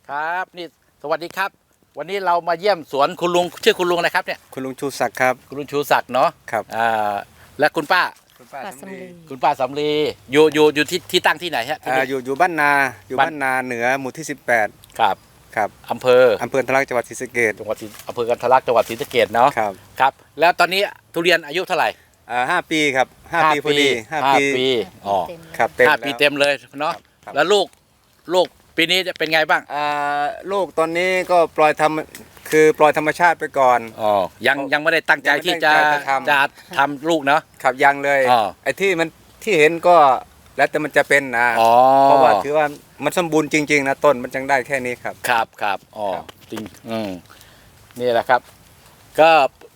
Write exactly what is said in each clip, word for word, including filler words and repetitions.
ครับนี่สวัสดีครับวันนี้เรามาเยี่ยมสวนคุณลุงชื่อคุณลุงอะไรครับเนี่ยคุณลุงชูศักดิ์ครับคุณลุงชูศักดิ์เนาะครับอ่าและคุณป้าคุณป้าสำลีคุณป้าสำลีอยู่อยู่อยู่ที่ที่ตั้งที่ไหนฮะที่อ่านี่อยู่อยู่บ้านนาอยู่บ้านบ้านนาเหนือหมู่ที่สิบแปดครับครับอำเภออำเภอทะลักจังหวัดศรีสะเกษจังหวัดศรีอำเภอกันทะลักจังหวัดศรีสะเกษเนาะครับครับแล้วตอนนี้ทุเรียนอายุเท่าไหร่อ่าห้าปีครับห้าปีพอดีห้าห้าปีปีอ๋อครับเต็มห้าปีแล้วเต็มเลยเนาะครับแล้วลูกลูกปีนี้จะเป็นไงบ้างอ่าลูกตอนนี้ก็ปล่อยทำคือปล่อยธรรมชาติไปก่อนอ๋อยังยังไม่ได้ตั้งใจยังไม่ที่จะตั้งใจจะทำจะทำลูกเนาะขับยังเลยอ๋อไอ้ที่มันที่เห็นก็แล้วแต่มันจะเป็นนะอ๋อเพราะว่าถือว่ามันสมบูรณ์จริงๆนะต้นมันจังได้แค่นี้ครับครับครับอ๋อครับจริงอืมนี่แหละครับ ก็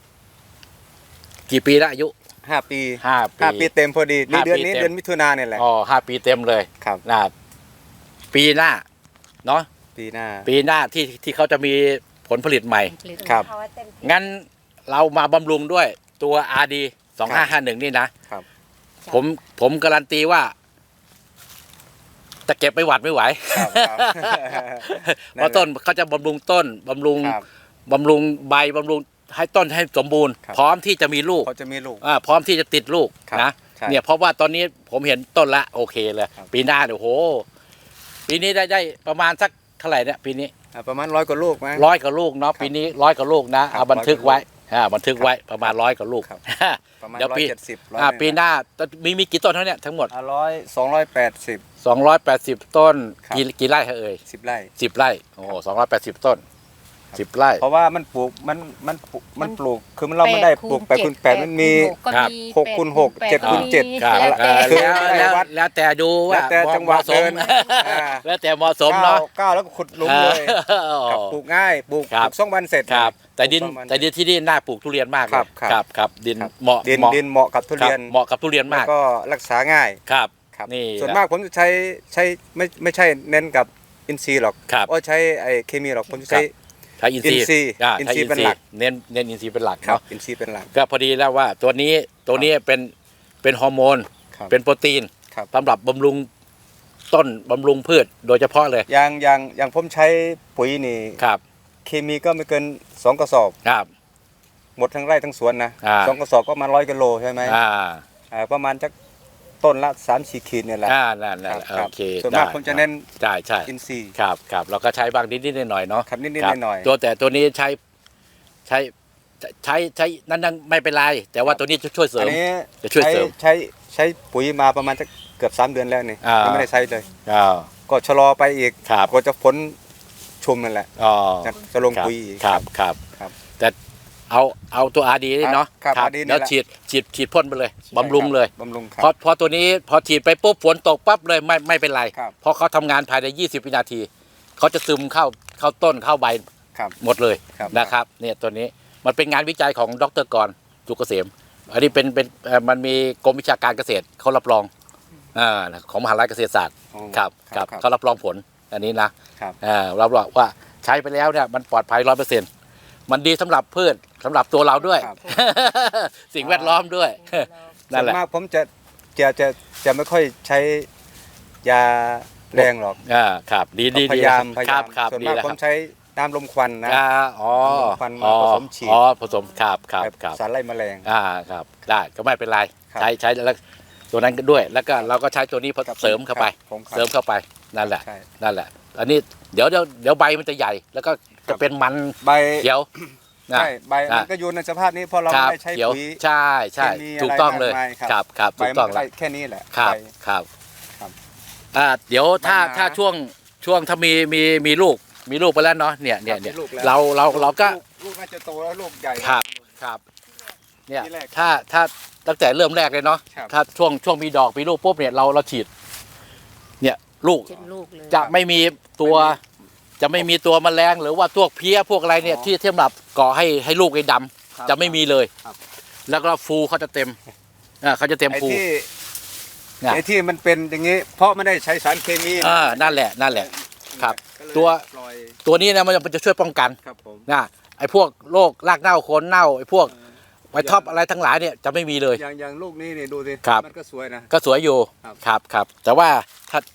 กี่ปีแล้วอายุห้าปีห้าปีห้าปีเต็มพอดีนี่ห้าเดือนปีนี้เต็มเดือนมิถุนาเนี่ยแหละอ๋อห้าปีเต็มเลยครับนะปีหน้าเนาะปีหน้าปีหน้าที่ที่เขาจะมีผลผลิตใหม่ครับงั้นเรามาบำรุงด้วยตัว อาร์ ดี สองห้าห้าหนึ่งนี่นะครับ ผมผมการันตีว่าจะเก็บไม่หวัดไม่ไหวครับครับเพราะต้นเขาจะบำรุงต้นบำรุงครับบำรุงใบบำรุงให้ต้นให้สมบูรณ์ครับพร้อมที่จะมีลูกเขาจะมีลูกอ่าพร้อมที่จะติดลูกครับนะใช่เนี่ยเพราะว่าตอนนี้ผมเห็นต้นละโอเคเลยครับปีหน้าเนี่ยโหปีนี้ได้ได้ประมาณสักเท่าไหร่เนี่ยปีนี้อ่าประมาณร้อยกว่าลูกมั้งร้อยกว่าลูกเนาะครับปีนี้ร้อยกว่าลูกนะครัเอาบบันทึกร้อยกว่าไว้อ่าบันทึกไว้ประมาณร้อยกว่าลูกครับ ประมาณเดี๋ยวร้อยปีเจ็ดสิบร้อยอ่าหนึ่งปีหน้ามีมีกี่ต้นเท่าเนี้ทั้งหมดอ่าร้อยสองร้อยแปดสิบสองร้อยแปดสิบต้นครับกี่กี่ไร่ฮะเอ่ยสิบไร่สิบไร่โอ้สองร้อยแปดสิบต้นสิบไร่เพราะว่ามันปลูกมันมันปลูกมันปลูกคือมันเราไม่ได้ปลูกแปดคูณแปดมันมีครับหกคูณหกเจ็ดคูณเจ็ดครับแล้วเอ่อคือแล้วไม่ได้แล้ววัดแล้วแต่ดูว่าแล้วแต่จังหวะเหมาสมเดินอ่าแล้วแต่เหมาะสมก้าวเนาะก้าวแล้วก็ขุดหลุมเลยอ๋อครับปลูกง่ายปลูกครับปลูกสองวันเสร็จครับ แต่ดินปลูกประมาณแต่ดินที่นี่น่าปลูกทุเรียนมากเลยครับครับครับครับดินครับเหมาะดินเหมาะดินเหมาะกับทุครัเรีบยนเหมาะกับทุเรียนแล้วมากก็รักษาง่ายครับครับนี่ส่วนมากผมจะใช้ใช้ไม่ไม่ใช่เน้นกับอินทรีย์หรอกครับโอ้ใช้ไอ้เคมีหรอกผมจะใช้ใช้อินทรีย์อินทรีย์อ่าอินใช้ทรีย์เป็นหลักเน้นเน้นอินทรีย์เป็นหลักครับเนาะอินทรีย์เป็นหลักก็พอดีแล้วว่าตัวนี้ตัวนี้เป็นเป็นฮอร์โมนครับเป็นโปรตีนครับสำหรับบำรุงต้นบำรุงพืชโดยเฉพาะเลยอย่างอย่างอย่างผมใช้ปุ๋ยนี่ครับเคมีก็ไม่เกินสองกระสอบครับหมดทั้งไร่ทั้งสวนนะอ่าสองกระสอบก็มาร้อยกิโลใช่ไหมอ่าอ่าประมาณจักต้นละสามสี่ขีดเนี่ยแหละอ่านั่นนั่นครับโอเคส่วนมากได้ผมจะเน้นใช่ใช่อินทรีย์ครับครับเราก็ใช้บางนิดนิดหน่อยๆเนาะครับนิดครับๆหน่อยๆตัวแต่ตัวนี้ใช้ใช้ใช้ใช้นั่นนั่นไม่เป็นไรแต่ว่าตัวนี้จะช่วยเสริอัมนนี้จะช่วยเสริมใช้ใช้ปุ๋ยมาประมาณจักเกือบสามเดือนแล้วนี่อ่ายัยังไม่ได้ใช้เลยอ่าก็ชะลอไปอีกครับก็จะผลชุมนั่นแหละอ๋อจะจะลงครับปุ๋ยอีกครับครับครับแต่เอาเอาตัวอาดีเนาะครับ R D นี่แล้วแหละฉีดฉีดฉีดพ่นไปเลยบำรุงเลยบำรุงครัพอบ พอตัวนี้พอฉีดไปปุ๊บฝนตกปั๊บเลยไม่ไม่เป็นไรครับเพราะเขาทำงานภายในยี่สิบวินาทีเขาจะซึมเข้าเข้าต้นเข้าใบครับหมดเลยครับนะครับเนี่ยตัวนี้มันเป็นงานวิจัยของดรกรจุกเกษมอันนี้เป็นเป็นเอ่อมันมีกรมวิชาการเกษตรเขารับรองอ่าของมหาลัยเกษตรศาสตร์อ๋อครับครับครับเขารับรองผลอันนี้นะครับ อ่ารับรองว่าใช้ไปแล้วเนี่ยมันปลอดภัยร้อยเปอร์เซ็นต์มันดีสำหรับพืชสำหรับตัวเราด้วยครับสิ่งแวดล้อมด้วยนั่นแหละส่วมากผมจะจะจะจะไม่ค่อยใช้ยาแรงหรอกอ่าครับดีดีพดียายามพยาครัยาบมครับส่วนดีมากแล้วผคมรับใช้น้ำลมควันนะอ่าอ๋อควันมาอ๋อผสมฉีดอ๋อผสมครับครับแบบครับสารไล่แมลงอ่าครับได้ก็ไม่เป็นไรครับใช้ใช้แล้วตัวนั้นก็ด้วย แล้วก็เราก็ใช้ตัวนี้ครับเสริมเข้าไปครับผมครับเสริมเข้าไปนั่นแหละใช่นั่นแหละ อันนี้เดี๋ยวเดี๋ยวเดี๋ยวใบมันจะใหญ่ แล้วก็จะเป็นมันใบเขียวนะใช่ใบอ่ะมันก็อยู่ในสภาพนี้เพราะเราครัไม่บได้ใช้เขียวปุ๋ยใช่ใช่เคมีถูกต้องเลยอะไรมากมายครับครับครับใบถูกมัต้องนแล้ได้วแค่นี้แหละครับใบครับครับอ่าเดี๋ยวถ้าปัญหาถ้าช่วงช่วงถ้ามีมีมีลูกมีลูกไปแล้วเนาะเนี่ยเนี่ยเนี่ยมีลูกแล้วเราเราเราก็ลูลูกน่าจะโตแล้วลูกใหญ่ครับครับเนี่ยที่แรกถ้าถ้าตั้งแต่เริ่มแรกเลยเนาะครับถ้าช่วงช่วงมีดอกมีลูกปุ๊บเนี่ยเราเราฉีด เนี่ยลูกเจ็ดลูกเลยจะไม่มีตัว จะไม่มีตัวแมลงหรือว่าพวกเพี้ยพวกอะไรเนี่ยอ๋อที่สำหรับก่อให้ให้ลูกไอ้ดำครับจะไม่มีเลยครับแล้วก็ฟูเขาจะเต็มอ่าเขาจะเต็มไอ้ฟูที่เนี่ยไอ้ที่มันเป็นอย่างนี้ เพราะไม่ได้ใช้สารเคมีอ่านั่นแหละนั่นแหละ ครับก็เลยตัวปล่อยตัวนี้นะมันจะมันจะช่วยป้องกันครับผมนะไอ้พวกโรครากเน่าโคนเน่าไอ้พวกไวท็อปอะไรทั้งหลายเนี่ยจะไม่มีเลยอย่างอย่างลูกนี้นี่ดูสิครับมันก็สวยนะก็สวยอยู่ครับครับครับแต่ว่าถ้าถ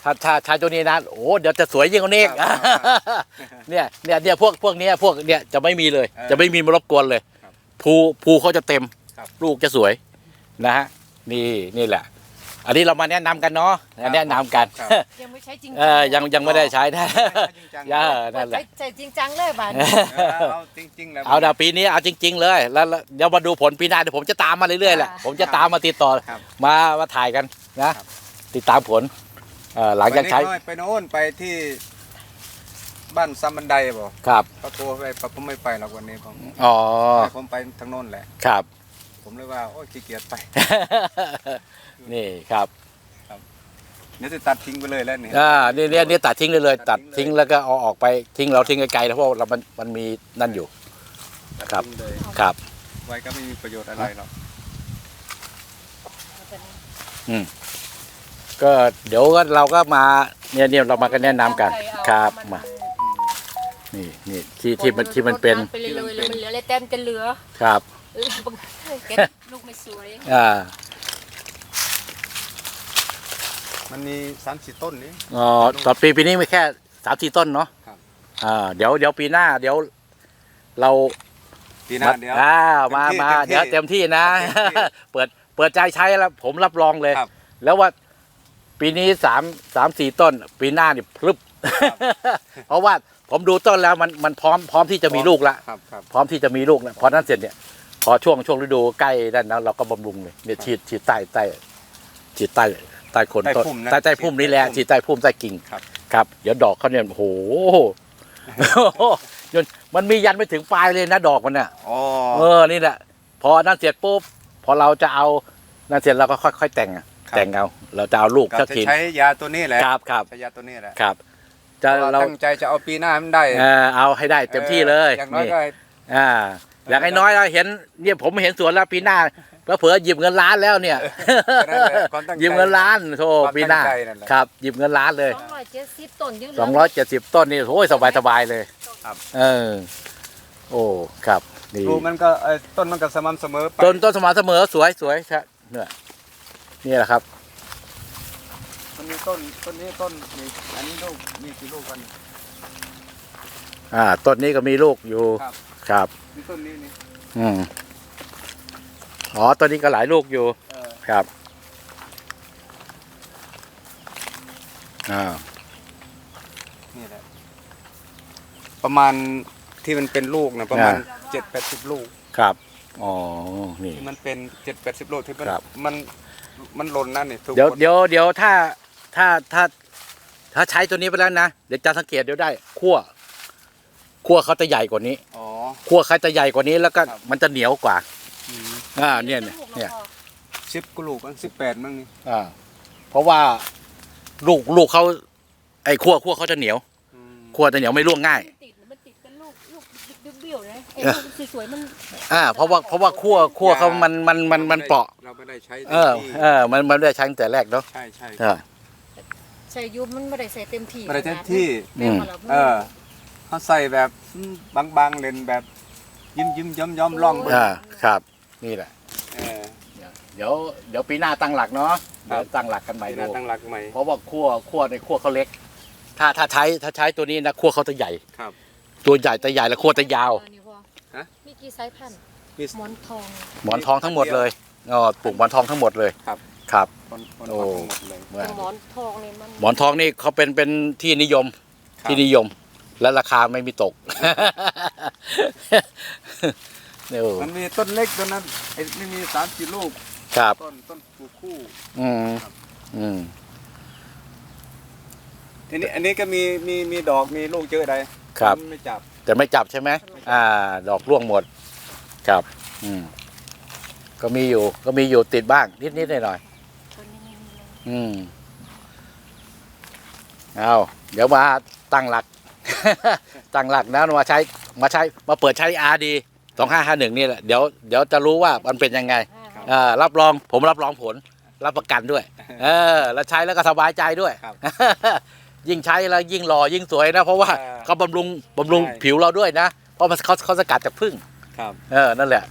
ถ้าถ้าใช้ตัวนี้นะโอ้เดี๋ยวจะสวยยิ่งกว่านี้อีกครับเนี่ยเนี่ยเนี่ยพวกพวกเนี้ยพวกเนี่ยจะไม่มีเลยเออจะไม่มีมารบกวนเลยครับภูภูเขาจะเต็มครับลูกจะสวยนะฮะนี่นี่แหละ อันนี้เรามาแนะนำกันเนาะแนะนำกันครับยังไม่ใช้จริงเออยังยังไม่ได้ใช้นะจริงจังย่านั่นั่นนแหแหละละใช้จริงจังเลยบ้านเออเอาจริงๆแล้วเอาดาปีนี้เอาจริง ๆ เลยแล้วแล้วเดี๋ยวมาดูผลปีหน้าเดี๋ยวผมจะตามมาเรื่อยๆแหละผมจะตามมาติดต่อครับมามาถ่ายกันนะครับ ติดตามผลเอ่อหลังจากใช้ไปนี่ไปโน่นไปที่บ้านซัมบันไดบอกครับเขาโทรไปผมไม่ไปหรอกวันนี้ผมอ๋อให้ผมไปทางโน้นแหละครับผมเลยว่าโอ้ยขี้เกียจไปนี่ครับเดี๋ยวจะตัดทิ้งไปเลยแล้วเนี่ยอ่านี่เนี่ยนี่ตัดทิ้งเลยเลยตัตัดดทิ้ทิ้งงเลยแล้วก็เอาออกไปทิ้งเราทิ้งไกลๆนะเพราะเรามันมันมีนั่นอยู่ ครับทิ้งเลยครับไว้ก็ไม่มีประโยชน์อะไรหรอกก็เดี๋ยวก็เราก็มาเนี่ยเนี่ยเรามากันแนะนำกันครับมานี่นี่ที่ที่มันที่มันเป็นไปเลยเลยแล้วมันเหลืออะไรแต้มจะเหลือครับเออบางเก็บลูกไม่สวยอ่ามันมีสามสี่ต้นนี้อ๋อต่อปีปีนี้มีแค่สามสี่ต้นเนาะครับอ่าเดี๋ยวเดี๋ยวปีหน้า เดี๋ยวเราปีหน้าเดี๋ยวอ่ามาเต็มที่มาเต็มที่เดี๋ยวเต็มที่นะเต็มที่เปิดเปิดใจใช้แล้วผมรับรองเลยครับแล้วว่าปีนี้สามสามสี่ต้น ปีหน้านี่พลึบ เพราะว่าผมดูต้นแล้วมันมันพร้อมพร้อมที่จะมีลูกละครับครับพร้อมที่จะมีลูกนะพอนั้นเสร็จเนี่ยพอช่วงช่วงฤดูใกล้ด้านนั้นเราก็บำรุงเลยเนี่ยฉีดฉีดใต้ใต้ฉีดใต้ใต้โคนต้นใต้พุ่มนะใต้ใต้พุ่มนี่แหละฉีฉีดดใต้ใต้พุ่มใต้กิ่งครับครับ เดี๋ยวดอกเขาเนี่ยโอ้โห จนมันมียันไปถึงปลายเลยนะดอกมันเนี่ยอ๋อเออนี่แหละพอนั่นเสร็จปุ๊บพอเราจะเอานั่นเสร็จเราก็ค่อยๆแต่งอะแต่งเอาเราจะเอาลูกก็สักจะทีใช้ยาตัวนี้แหละครับครับใช้ยาตัวนี้แหละครับ จะเพราะว่าเราตั้งใจจะเอาปีหน้ามันได้เออเอาให้ได้เต็มที่เลยอย่างน้อยนี่ก็อ่าอย่างน้อยๆเราเห็นเนี่ยผมเห็นสวนแล้วปีหน้าเผื่อๆหยิบเงินล้านแล้วเนี่ยนั่นแหละความตั้งใจหยิบเงินล้านโธ่ความปีหน้าตั้งใจนั่นแหละครับหยิบเงินล้านเลยสองร้อยเจ็ดสิบต้นยังเหลืสองร้อยเจ็ดสิบต้นนี่โอ้ยสบายๆเลยครับเออโอ้ครับนี่ดูมันก็เอ่อต้นมันก็สม่ำเสมอไปต้นต้นสม่ำเสมอสวยสวยใช่เนี่ยนี่แหละครับมันมีต้นต้นนี้ต้นนี่อันนี้ลูกมีกี่ลูกกันอ่าต้นนี้ก็มีลูกอยู่ครับครับมีต้นนี้นี่อืมอ๋อต้นนี้ก็หลายลูกอยู่เออครับอ่านี่แหละประมาณที่มันเป็นลูกนะประมาณเจ็ดแปดสิบลูกครับอ๋อนี่ที่มันเป็นเจ็ดแปดสิบลูกที่มันครับมันมันหล่นนั่นนี่ถูกเดี๋ยวหมเดี๋ยวเดี๋ยวถ้าถ้าถ้า ถ้าใช้ตัวนี้ไปแล้วนะเดี๋ยวจะสังเกตเดี๋ยวได้ขั้วขั้วเขาจะใหญ่กว่านี้อ๋อขั้วเขาจะใหญ่กว่านี้แล้วก็ครับมันจะเหนียวกว่าอืมอ่าเนี่ยเนี่ยเนี่ยสิบกว่าลูกมั้งสิบแปดมั้งนี่อ่าเพราะว่าลูกลูกเขาไอ้ขั้วขั้วเขาจะเหนียวอืมขั้วจะเหนียวไม่ร่วงง่ายมันติดมันติดเป็นลูกลูกเบี้ยวๆนะไอ้เออลูกสวยๆมันอ่าเพราะว่าเพราะว่าขั้วขั้วเขามันมันมันมันเปราะเราไม่ได้ใช้เออต็มที่เออมันมันไม่ได้ใช้ตั้งแต่แรกเนาะใช่ใช่เออใส่ยุบมันไม่ได้ใส่เต็มที่ไม่ได้เต็มที่แม่ว่าราเออเขาใส่แบบบางๆเลนแบบยิ้มยิ้มย้อมย้อมๆล่องเบิ่งอ่าครับนี่แหละเออเดี๋ยวเดี๋ยวปีหน้าตั้งหลักเนาะครัเดี๋ยบวตั้งหลักกันใหม่ปีหดูน้าตั้งหลักใหม่เพราะว่าขั้วขั้วในขั้วเขาเล็ก ถ้าถ้าใช้ถ้าใช้ตัวนี้นะขั้วเขาจะใหญ่ครับตัวใหญ่แต่ใหญ่แล้วขั้วจะยาวเออนี่พ่อฮะมีกี่สายพันธุ์มีหมอนทองหมอนทองทั้งหมดเลยอ๋อปลูกหมอนทองทั้งหมดเลยครับครับคนคนโอ้ทั้งหมดเลยเป็นหมอนทองเลยมันหมอนทองนี่เขาเป็นเป็นที่นิยมครับที่นิยม และราคาไม่มีตก เนี่ยโอ้มันมีต้นเล็กต้นนั้นไอ้นี่มีสามสี่ลูกครับต้นต้นปลูกคู่อืมครับอืมทีนี้อันนี้ก็มีมีมีดอกมีลูกเยอะเลยครับมันไม่จับแต่ไม่จับใช่ไหมอ่า ดอกร่วงหมด ครับ อืม ก็มีอยู่ ก็มีอยู่ติดบ้าง นิดนิดหน่อยหน่อยตัวนี้ไม่มีเลยๆอืม เอาเดี๋ยวมาตั้งหลัก ตั้งหลักนะมาใช้ มาใช้ มาเปิดใช้อาร์ดีสองห้าห้าหนึ่งนี่แหละ เดี๋ยว เดี๋ยวจะรู้ว่ามันเป็นยังไงอ่าเออรับรอง ผมรับรองผล รับประกันด้วย เออ แล้วใช้แล้วก็สบายใจด้วยครับยิ่งใช้แล้วยิ่งหล่อยิ่งสวยนะ เพราะว่าเออเขาบำรุงบำรุงใช่ผิวเราด้วยนะ เพราะมันเขาเขาสกัดจากผึ้งครับเออ นั่นแหละ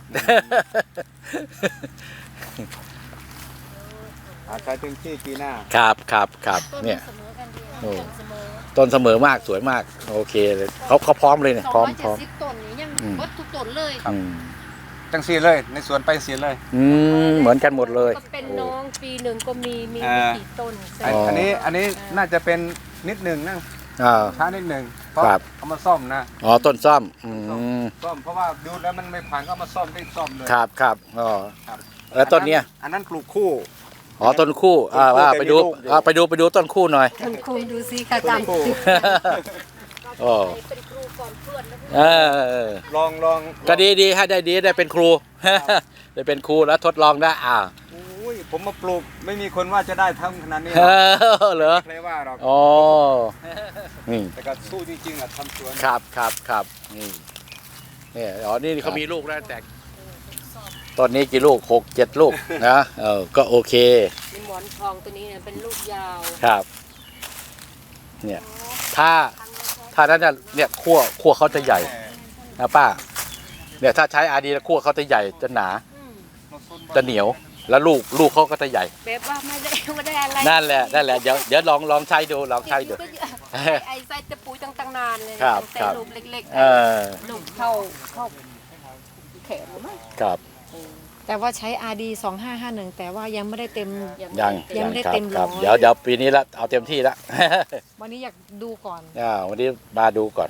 อาใช้เต็มที่ปีหน้าครับครับครับต้นเนี่ยเสมอกันโอ้ต้นเสมอต้นเสมอมากสวยมากโอเคเลยเขาเขาพร้อมเลยเนี่ยสองพร้อมร้อยพเจ็ร้ดอมสิบต้นนี้ยังอืมเบิดทุกต้นเลยอืมจังสีเลยในสวนไปสีเลยอืมเหมือนกันหมดเลยก็เป็นน้องปีหนึ่งก็มีมีอ่ามีกี่ต้นอันอ๋ออัอันนี้อันนี้น่าจะเป็นนิดหนึ่งนะอ่าช้านิดหนึ่งเพราะครับเอามาซ่อมนะอ๋อต้นซ่อมอืมซ่อมเพราะว่าดูแล้วมันไม่ผ่านก็เอามาซ่อมได้ซ่อมเลยครับครับอ๋อครับแล้วต้นเนี้ยอันนั้นปลูกคู่อ๋อต้นคู่อ่าต้นคู่ว่าแต่ไปดูมีลูกอยู่อ่าไปดูไปดูต้นคู่หน่อยท่านครูดูสิค่ะจำคู่อ๋อเป็นครูก่อนเพื่อนแล้วเออลองลองก็ดีดีให้ได้ดีได้เป็นครู ได้เป็นครูแล้วทดลองได้อ่าอุ้ยผมมาปลูกไม่มีคนว่าจะได้ทำขนาดนี้หเอรอกอเหรอใครว่าหรอกอ๋อนี่แต่ก็สู้จริงๆอ่ะทำสวนครับครับครับนี่เนี่ยอ๋อนี่เขามีลูกแล้วแต่ตอนนี้กี่ลูกหกเจ็ดลูกนะเออก็โอเคมีหมอนทองตัวนี้เนี่ยเป็นลูกยาวครับ เนี่ย ถ้าถ้านั้นน่ะเนี่ยขั้วขั้วเขาจะใหญ่นะป้า เนี่ยถ้าใช้อาดีแล้วขั้วเขาจะใหญ่จะหนาอืมจะเหนียว แล้วลูกลูกเขาก็จะใหญ่แบบว่าไม่ได้ไม่ได้อะไรนั่นแหละนั่นแหละเดี๋ยวเดี๋ยวลองลองใช้ดูลองใช้ดูไอ้ไอ้ไส้ตะปูตั้งๆนานเลยครับแต่ครับลูกเล็กเออๆลูกเท่าเท่าแขนมั้งครับแต่ว่าใช้ อาร์ ดี สองห้าห้าหนึ่งแต่ว่ายังไม่ได้เต็มยังยังไม่ได้ครับเต็มคร้รัอบ ยเดี๋ยวเดี๋ยวปีนี้ละเอาเต็มที่ละวันนี้อยากดูก่อนอ่าวันนี้มาดูก่อน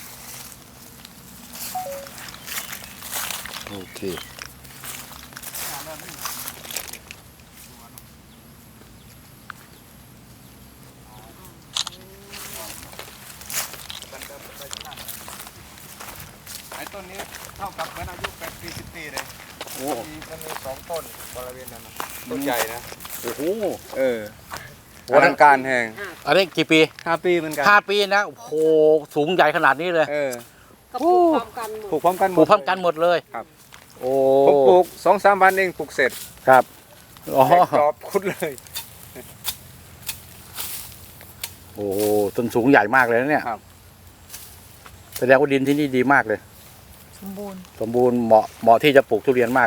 โอเคไอ้ต้นนี้เท่ากับเหมือนอายุแปดปีสิบปีเลยโอ้มันมีมันมีสองต้นบริเวณนั้นนะต้นใหญ่นะโอ้โหเอออลังการแห่งอันนี้กี่ปีห้าปีเหมือนกันห้าปีนะโอ้โหสูงใหญ่ขนาดนี้เลยเออก็ปลูกพร้อมกันหมปลูดกพร้อมกันหมปลูดกพร้อมกันหมดเลยครับโอ้ผมปลูกสองสามวันเองปลูกเสร็จครับอ๋อแตกกรอบคุดเลยโอ้โหต้นสูงใหญ่มากเลยนะเนี่ยครับแสดงว่าดินที่นี่ดีมากเลยสมบูรณ์สมบูรณ์เหมาะเหมาะที่จะปลูกทุเรียนมาก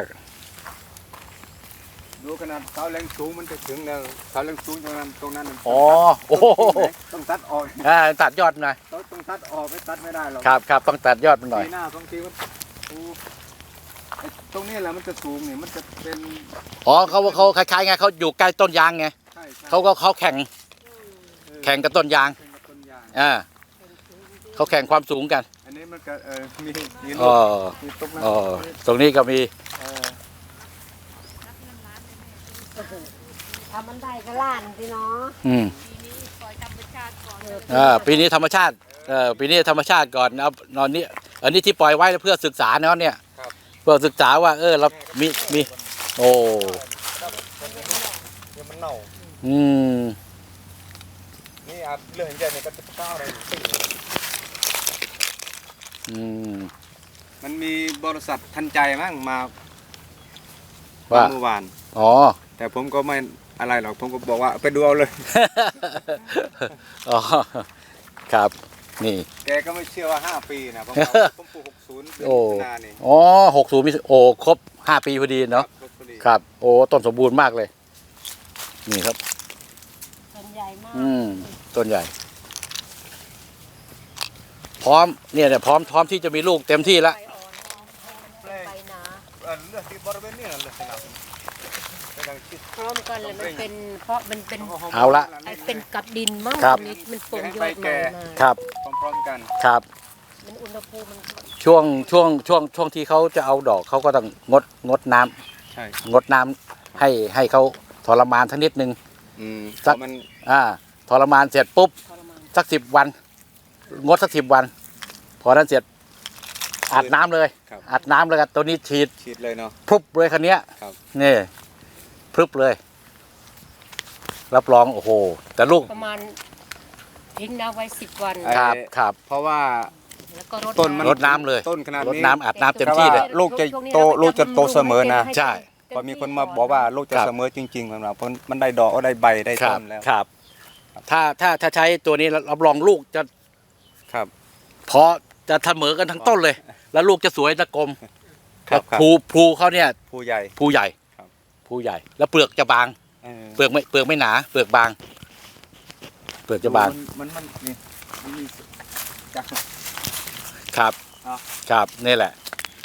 ดูขนาดเสาแรงสูงมันจะถึงแล้วเสาแรงสูงตรงนั้นตรงนั้นอ๋อโอ้โหต้องตัดออกอ่าตัดยอดหน่อยต้องต้องตัดออกไม่ตัดไม่ได้หรอกครับครับต้องตัดยอดมันหน่อยปีหน้าบางทีมันโอ้ไอ้ตรงนี้แหละมันจะสูงนี่มันจะเป็นอ๋อเขาเขาคล้ายๆไงเขาอยู่ใกล้ต้นยางไงใช่ใช่เขาก็เขาแข่งเออแข่งกับต้นยางแข่งกับต้นยางอ่าเขาแข่งความสูงกันอันนี้มันก็เออมีมีอ๋ลูอกมีตกนั้นอ๋อตรงนี้ก็มีเออทำมันได้ก็ล้านสิเนาะอืมปีนี้ปล่อยธรรมชาติก่อนอ่าปีนี้ธรรมชาติเออปีนี้ธรรมชาติก่อนเอานอนนี้อันนี้ที่ปล่อยไว้เพื่อศึกษาเนาะเนี่ยเพื่อศึกษาว่าเออเรามีมีโอ้เดี๋ยวมันเน่าอืมนี่อาจเรื่องใหญ่เนี่ยก็จะก้าวอะไรอืมมันมีบริษัททันใจมั้งมาว่าเมื่อวานอ๋อแต่ผมก็ไม่อะไรหรอกผมก็บอกว่าไปดูเอาเลยอ๋อครับนี่แกก็ไม่เชื่อว่าห้าปีนะผมว่าผมปลูกหกศูนย์เป็นโอ้มิถุนานี่อ๋อหกศูนย์มีโอ้ครบห้าปีพอดีเนาะครับพอดีครับ โอ้ต้นสมบูรณ์มากเลย นี่ครับต้นใหญ่มากอืมต้นใหญ่ พร้อมเนี่ยเนี่ยพร้อมพร้อมที่จะมีลูกเต็มที่แล้วใบอ่อนใบหนาเออเลือกที่บริเวณนี้นะเลยนะไม่ต้องคิดพร้อมกันเลยมันเป็นเพราะมันเป็นเอาละไอ้เป็นกับดินมั้งครับมันมันปงยอดใหม่มาครับพร้อมๆกันครับมันอุณหภูมิมันช่วงช่วงช่วงช่วงที่เขาจะเอาดอกเขาก็ต้องงดงดน้ำใช่งดน้ำให้ให้เขาทรมานทั้งนิดนึงอืมสักเพราะมันอ่าทรมานเสร็จปุ๊บทรมานสักสิบวัน งดสักสิบวัน พอนั้นเสร็จอัดน้ำเลยครับอัดน้ำเลยครับตัวนี้ฉีดฉีดเลยเนาะพรุบเลยคันนี้ยครับนี่พรึบเลย รับรองโอ้โห แต่ลูกประมาณทิ้งน้ำไว้สิบวันครับครับเพราะว่าแล้วก็รดต้นมันรดน้ำเลยต้นขนาดรดนี้น้ำอัดน้ำเต็มที่เลยลูกจะโตลูกจะโตเสมอนะใช่พอมีคนมาบอกว่าลูกจะครับเสมอจริงๆสำหรับเพราะมันได้ดอกได้ใบได้ครัต้บนแล้วครับ ถ้าถ้าถ้าใช้ตัวนี้รับรองลูกจะครับพอจะเสมอกันทั้งต้นเลย แล้วลูกจะสวยตะกลมครับครับภูภูเขาเนี่ยผู้ใหญ่ภูใหญ่ครับภูใหญ่ แล้วเปลือกจะบางเออเปลือกไม่เปลือกไม่หนา เปลือกบางเปลือกจะบางมันมันมันนี่มันมีจักครับเนาะครับนี่แหละ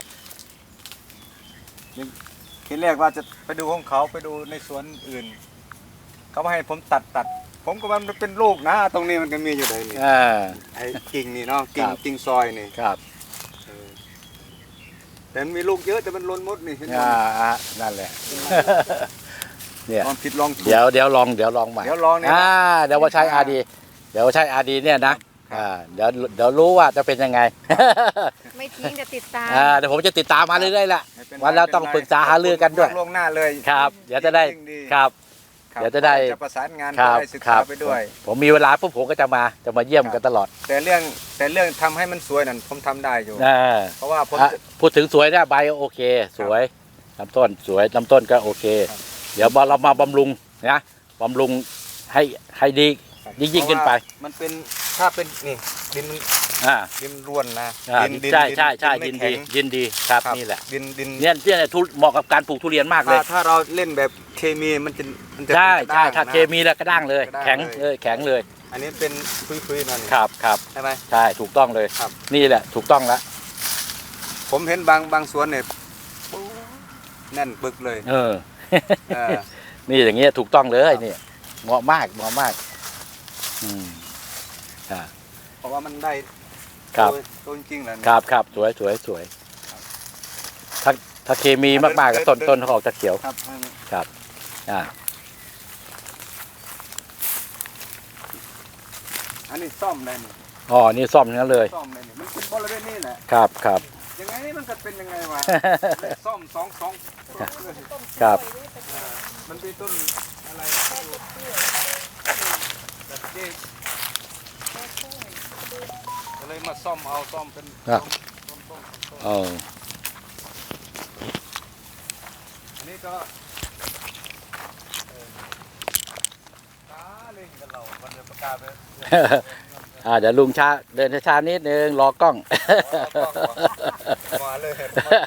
ทีแรกว่าจะไปดูของเขาไปดูในสวนอื่น เขามาให้ผมตัดตัด ผมก็ว่ามันเป็นลูกนะ ตรงนี้มันก็มีอยู่เลยนี่อ่าไอ้กิ่งนี่เนาะกิ่งครับกิ่งซอยนี่ครับเออแต่มันมีลูกเยอะแต่มันล้นมดนี่เห็นไหมอ่าอ่านั่นแหละ เนี่ยลองผิดลองถูกเดี๋ยวเดี๋ยวลองเดี๋ยวลองใหม่เดี๋ยวลองเนี่ยอ่าเดี๋ยวว่าใช้อาดีเดี๋ยวว่าใช้อาดีเนี่ยนะอ่าเดี๋ยวเดี๋ยวรู้ว่าจะเป็นยังไงไม่ทิ้งจะติดตามอ่าเดี๋ยวผมจะติดตามมาเรื่อยๆแหละไม่ป็ไรวันแล้วต้องไม่ปเป็รึนกษาหารือกันด้วยล่วงหน้าเลยครับ เดี๋ยวจะได้ยิ่งดีครับครับเดี๋ยวจะได้จะประสานงานคจะรับได้ศึกครัษาบไปด้วยผมมีเวลาปุ๊บผมก็จะมาจะมาเยี่ยมกันตลอดแต่เรื่องแต่เรื่องทำให้มันสวยนั่นผมทำได้อยู่อ่าเพราะว่าผมอ่ะจะพูดถึงสวยนะใบโอเค สวยลำต้นสวยลำต้นก็โอเคครับเดี๋ยวเรามาบำรุงนะบำรุงให้ให้ดียิ่งยิ่งขึ้นไปเพราะว่ามันเป็นถ้าเป็นนี่ดินมันอ่าดินร่วนนะอ่าดินดินใช่ใช่ใช่ไม่ยินแข็ดีงยินดีครับครับนี่แหละดินดินเนี่ยเนี่ยทุเหมาะกับการปลูกทุเรียนมากเลถ้าย ถ้าเราเล่นแบบเคมีมันจะมันจะใช่เป็นกระใช่ด้างถ้านะเคมีแล้วก็ด้างเลยกระด้างแข็งเลยเลยแข็งเลยอันนี้เป็นคุยๆนั่นครับครับใช่ไหมใช่ถูกต้องเลยครับนี่แหละถูกต้องแล้วผมเห็นบางบางสวนเนี่ยแน่นปึกเลยเออเออนี่อย่างเงี้ยถูกต้องเลยนี่เหมาะมากเหมาะมากอืมอ่าเพราะว่ามันได้ครับโตโตจริงๆแหละครับครับสวยสวยสวยถ้าถ้าเคมีมากๆก็ต้นต้นเขาออกจะเขียวครับครับอ่าอันนี้ซ่อมได้นี่อ๋อนี่ซ่อมทั้งนั้นเลยซ่อมได้นี่มันเป็นบริเวณนี้แหละครับครับยังไงมันก็เป็นยังไงวะ ซ่อมสองสองต้นเลยครับเออมันเป็นต้นอะไรแบบนี้ก็เลยมาซ่อมเอาซ่อมเป็นครับต้นต้นต้นเอออันนี้ก็เออตาเล่นกันเรามันจะประกาศไปอ่าเดี๋ยวลุงช้าเดินช้าๆนิดนึงรอกล้องมาเลย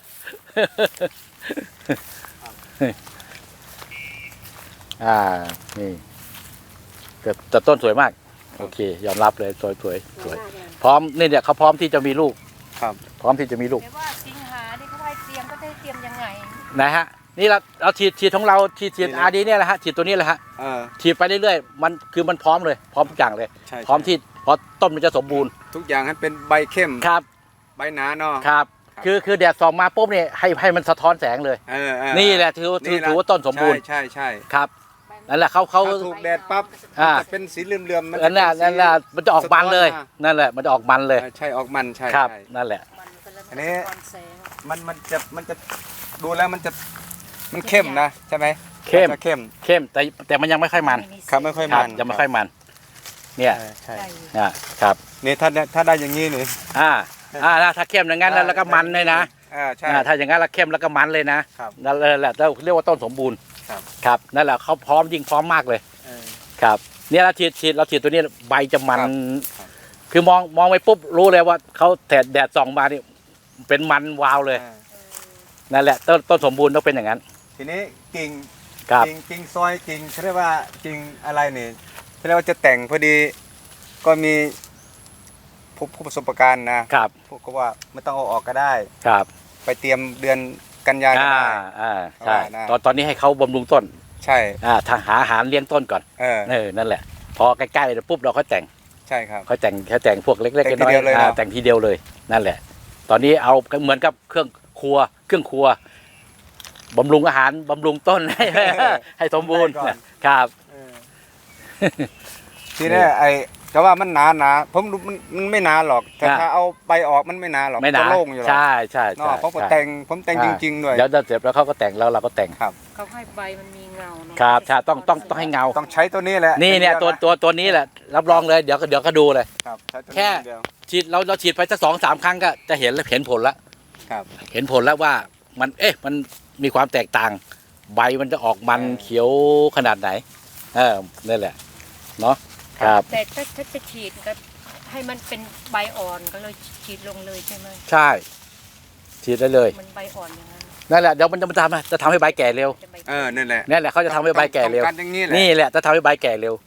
อ่านี่แต่แต่ต้นสวยมาก โอเค ยอมรับเลยสวยสวยสวยพร้อมนี่เนี่ยเขาพร้อมที่จะมีลูกครับพร้อมที่จะมีลูกแต่ว่าสิงหาที่เขาให้เตรียมก็ได้เตรียมยังไงนะฮะนี่เราเราฉีดฉีดของเราฉีดฉีดนี่นะอาดีเนี่ยแหละฮะฉีดตัวนี้แหละฮะเออฉีดไปเรื่อยๆมันคือมันพร้อมเลย พร้อมทุกอย่างเลยใช่พร้อมที่พอต้นมันจะสมบูรณ์ทุกอย่างให้เป็นใบเข้มครับใบหนาเนาะครับครับคือคือแดดส่องมาปุ๊บเนี่ยให้ให้มันสะท้อนแสงเลยเออเออนี่แหละถือถือถือว่าต้นสมบูรณ์ใช่ใช่ใช่ครับนั่นแหละเขาเขาถ้าถูกแดดปั๊บอ่าจะเป็นสีเหลื่อมๆมันนั่นแหละจะเป็นั่นแหละมันจะออกมันเลยสะท้อมานั่นแหละมันจะออกมันเลยเออใช่ออกมันใช่ครับใช่นั่นแหละอันนี้ มันมันจะมันจะดูแล้วมันจะมันเข้มนะใช่ไหมเข้มจะเข้มเข้มแต่แต่มันยังไม่ค่อยมันครับไม่ค่อยครัมับนยังไม่ค่อยมัน เนี่ยเออใช่อ่าครับนี่ถ้าได้ถ้าได้อย่างนี้นี่อ่าอ่าถ้าเข้มอย่างนั้นแล้วแล้วก็มันเลยนะอ่าใช่อ่าถ้าอย่างนั้นแล้วเข้มแล้วก็มันเลยนะครับ นั่นแหละเราเรียกว่าต้นสมบูรณ์ครับครับนั่นแหละเขาพร้อมยิ่งพร้อมมากเลยเออครับเนี่ยเราฉีดฉีดเราฉีดตัวนี้ใบจะมันครับครับคือมองมองไปปุ๊บรู้เลยว่าเขาแดดแดดส่องมานี่เป็นมันวาวเลยอ่านั่นแหละต้นต้นสมบูรณ์ต้องเป็นอย่างนั้นทีนี้กิ่งครับกิ่งกิ่งซอยกิ่งเขาเรียกว่ากิ่งอะไรนี่เขาเรียกว่าจะแต่งพอดีก็มีผู้ผู้ประสบการณ์นะครับ พวกก็ว่าไม่ต้องเอาออกก็ได้ครับไปเตรียมเดือนกันยายนก็อ่าได้อ่าใช่ว่านะตอนตอนนี้ให้เขาบำรุงต้นใช่อ่าทางหาอาหารเลี้ยงต้นก่อนเออเออนั่นแหละ พอใกล้ๆปุ๊บเราค่อยแต่งใช่ครับค่อยแต่งแค่แต่งพวกเล็กๆแต่งทีน้อยเดียวเลยๆอ่าเนอะแต่งทีเดียวเลยนั่นแหละ ตอนนี้เอาเหมือนกับเครื่องครัวเครื่องครัวบำรุงอาหารบำรุงต้น ให้ ให้สมบูรณ์ได้ก่อนครับเออทีนี้ไอ้ก็ว่ามันหนาหนาผมรู้มันมันไม่หนาหรอกแต่อ่าถ้าเอาใบออกมันไม่หนาหรอกไม่หนาจะโล่งอยู่หรอกใช่ใช่เนาะใช่เพราะผมใช่แต่งผมแต่งอ่าจริง ๆ ด้วยเดี๋ยวเสร็จแล้วเขาก็แต่งแล้วเราก็แต่งครับเขาให้ใบมันมีเงาเนาะครับใช่ต้องต้องต้องให้เงาต้องใช้ตัวนี้แหละนี่เนี่ยดีตัวะตัวตัวนี้แหละรับรองเลยเดี๋ยวก็เดี๋ยวก็ดูเลยครับใช้ตัวนี้แค่เดียวฉีดเราเราฉีดไปสักสองสามครั้งก็จะเห็นแล้วเห็นผลแล้วครับเห็นผลแล้วว่ามันเอ๊ะมันมีความแตกต่าง ใบมันจะออกมันเออเขียวขนาดไหนเออนั่นแหละเนาะครับแต่ถ้าถ้าจะฉีดก็ให้มันเป็นใบอ่อนก็เลยฉีดลงเลยใช่ไหมใช่ฉีดได้เลยมันใบอ่อนอย่างนั้นนั่นแหละเดี๋ยวมันจะมาทำจะทำให้ใบแก่เร็วจะใบเออนั่นแหละนั่นแหละเขาจะทำให้ใบแก่เร็วต้องการอย่างนี้แหละนี่แหละจะทำให้ใบแก่เร็ว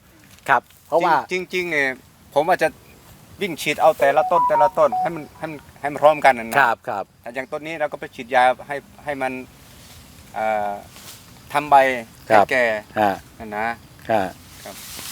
ครับ เพราะว่าจริงจริงๆเนี่ยผมว่าจะวิ่งฉีดเอาแต่ละต้นแต่ละต้นให้มันให้มันให้มันพร้อมกันนะครับครับแต่อย่างต้นนี้เราก็ไปฉีดยาให้ให้มันเอ่อทำใบครัให้บแก่อ่านั่นนะอ่าครับ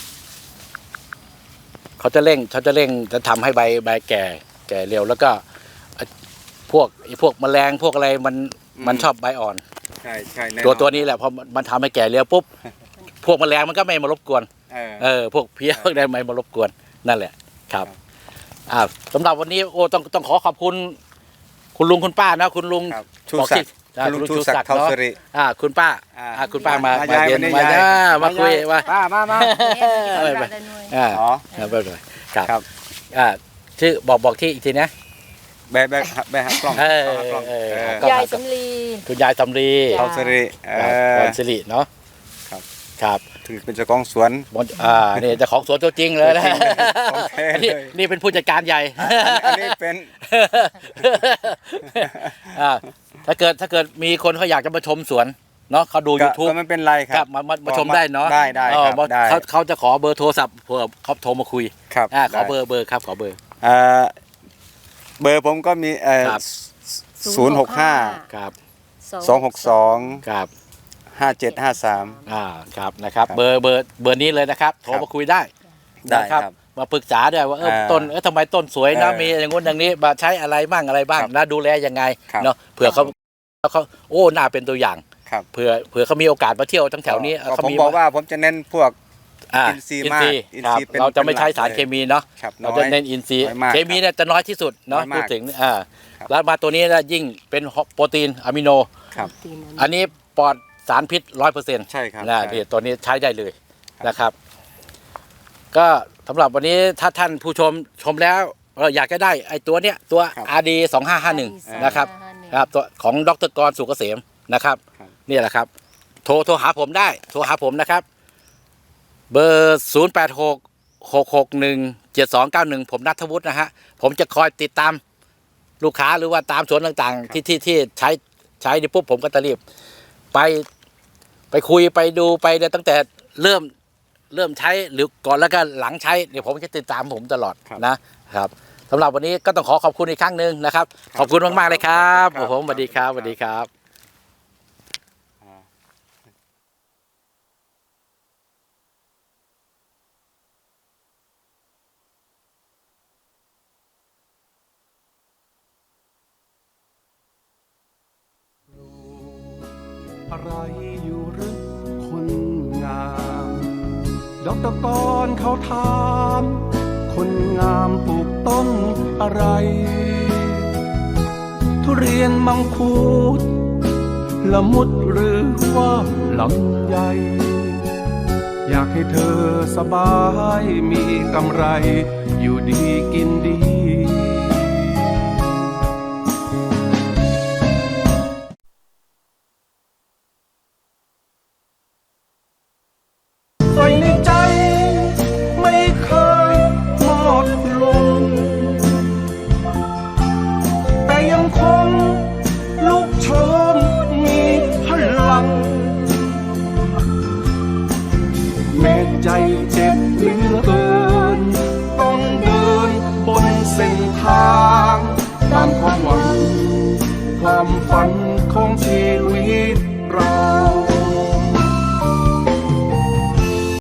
เขาจะเร่งเขาจะเร่งจะทำให้ใบใบแก่แก่เร็วแล้วก็ไอ้พวกไอ้พวกแมลงพวกอะไรมันมันชอบใบอ่อนใช่ใช่แน่นอนตัวตัวนี้แหละพอมันทำให้แก่เร็วปุ๊บพวกแมลงมันก็ไม่มารบกวนเออเออพวกเพี้ยพวกใดไม่มารบกวนนั่นแหละครับอ่าสำหรับวันนี้โอ้ต้องต้องขอขอบคุณ คุณลุงคุณป้านะคุณลุงครับชูบอกศัที่กดิ์อ่าคุณลุงคุณลุงชูศักดิ์ชูศักดิ์เท่าเนอะสิริอ่าคุณป้าอ่าอ่าคุณป้ามามามาย้ายเย็นมามาย้ายอ่ามาคุยว่ามามามาเนี่ยไม่ได้ไม่หน่วยอ่าอ๋อครับไม่เป็นไรครับครับอ่าชื่อบอกบอกที่อีกทีนะแบะแบะแบะหักกล้องเออหักกล้องเออเออก็ยายสำลีคุณยายสำลีจ้ะเท่าสิริเอพอรสิริเนาะครับครับถึงเป็นเจ้าของสวนบนอ่านี่เจ้าของสวนตัวจริงเลยนะของแท้เลยนี่นี่เป็นผู้จัดการใหญ่อันนี้เป็นอ่าถ้าเกิดถ้าเกิดมีคนเขาอยากจะมาชมสวนเนาะเขาดูก็ YouTube ก็ไม่เป็นไรคครัรับบมามามาชมได้เนาะได้ได้เออครับมาได้เขาเขาจะขอเบอร์โทรศัพท์เผื่อเขาโทรมาคุยครับอ่าขอได้เบอร์เบอร์ครับขอเบอร์เอ่อเบอร์ผมก็มีเอ่อครับศูนย์หกห้าครับสองหกสองครับห้าเจ็ดห้าสามอ่าครับนะครับครับเบอร์เบอร์เบอร์นี้เลยนะครับโทรมาคุยได้ได้นะครับ มาปรึกษาด้วยว่าเอออ่าต้นเออทำไมต้นสวยนะเออมีอย่างงู้นอย่างนี้มาใช้อะไรบ้างอะไรบ้างครับแล้วดูแลยังไงครับเนาะเผื่อเขาเขาโอ้น่าเป็นตัวอย่างครับเผื่อเผื่อเขามีโอกาสมาเที่ยวทั้งแถวนี้ก็เขาผมมีบอกว่าผมจะเน้นพวกอ่าอินทรีย์มากอินครับทรีย์เป็นเราจะไม่ใช้สารเป็นหลักเคมีเนาะครับเราน้อจะยเน้นอินทรีย์น้อยมากเคมีเนี่ยจะน้อยที่สุดเนาะน้อยมากพูดถึงอ่าครับแล้วมาตัวนี้นะยิ่งเป็นโปรตีนอะมิโนครับตีนอันนี้ปลอดสารพิษร้อยเปอร์เซ็นต์ใช่ครับนะใช่ที่ตัวนี้ใช้ได้เลยครับนะครับ ก็สำหรับวันนี้ถ้าท่านผู้ชมชมแล้วเอออยากจะได้ไอ้ตัวเนี้ยตัวครับอาร์ดีสองห้าห้าหนึ่งนะครับครับตัวของดรกรสุกเกษมนะครับครับนี่แหละครับ โทรโทรหาผมได้ โทรหาผมนะครับ เบอร์ศูนย์แปดหกหกหกหนึ่งเจ็ดสองเก้าหนึ่งผมนัทวุฒินะฮะผมจะคอยติดตามลูกค้าหรือว่าตามสวนต่างๆ ที่ที่ที่ใช้ใช้ดิปุ๊บผมก็จะรีบไปไปคุยไปดูไปเนี่ยตั้งแต่เริ่มเริ่มใช้หรือก่อนแล้วก็หลังใช้เดี๋ยวผมจะติดตามผมตลอดครับนะครับสำหรับวันนี้ก็ต้องขอขอบคุณอีกครั้งหนึ่งนะครับครับขอบคุณมากๆเลยครับครับผมสวัสดีครับคสรับวัสดีครับอ่าอะไรอยู่หรือคนงามดอกตะกอนเขาถาม คนงามปลูกต้นอะไร ทุเรียนมังคุดละมุดหรือว่าลำไยอยากให้เธอสบายมีกำไร อยู่ดีกินดี ไฟในใจไม่เคยหมดลง แต่ยังคงลุกโชนมีพลัง แม้ใจเจ็บ